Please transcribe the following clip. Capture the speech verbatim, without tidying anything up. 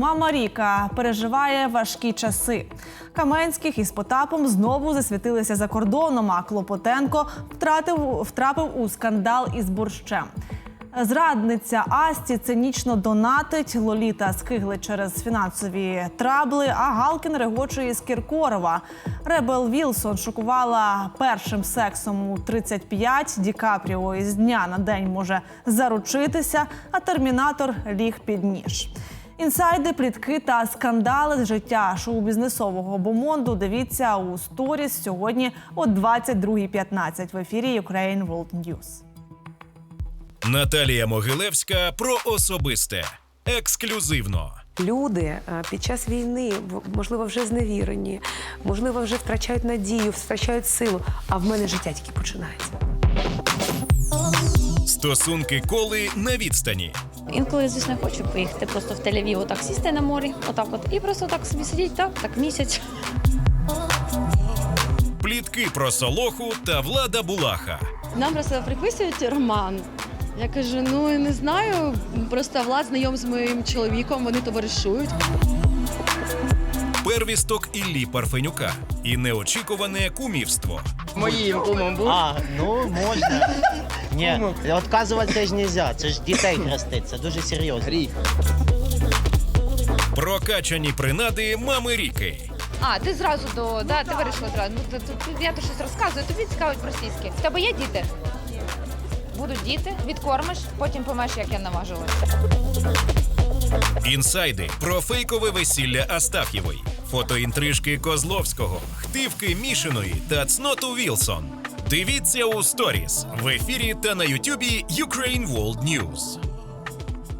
мама Ріка переживає важкі часи. Каменських із Потапом знову засвітилися за кордоном, а Клопотенко втратив, втрапив у скандал із борщем. Зрадниця Асті цинічно донатить, Лоліта скиглить через фінансові трабли, а Галкін регоче із Кіркорова. Ребел Вілсон шокувала першим сексом у тридцять п'ять, Ді Капріо із дня на день може заручитися, а Термінатор ліг під ніж. Інсайди, плітки та скандали з життя шоу-бізнесового бомонду дивіться у сторіс сьогодні о двадцять другій п'ятнадцять в ефірі Ukraine World News. Наталія Могилевська про особисте. Ексклюзивно. Люди під час війни, можливо, вже зневірені, можливо, вже втрачають надію, втрачають силу, а в мене життя тільки починається. Стосунки Коли на відстані. Інколи, звісно, хочу поїхати просто в Тель-Авів, отак сісти на морі, отак от, і просто так собі сидіти, так, так місяць. Плітки про Солоху та Влада Булаха. Нам просто приписують роман. Я кажу, ну не знаю, просто Влад знайом з моїм чоловіком, вони товаришують. Первісток Іллі Парфенюка і неочікуване кумівство. Моїм кумом був. А, ну можна. Ні, відказувати теж не можна, це ж дітей хрестить, це дуже серйозно. Гріх. Прокачані принади мами Ріки. А, ти зразу до, да, ти вирішила зразу. Ну, ти, ти, я то щось розказую, тобі цікавить російське. В тебе є діти? Будуть діти, відкормиш, потім помеш, як я наважилась. Інсайди про фейкове весілля Астаф'євої, фотоінтрижки Козловського, хтивки Мішиної та цноту Вілсон. Дивіться у сторіс в ефірі та на ютубі Ukraine World News.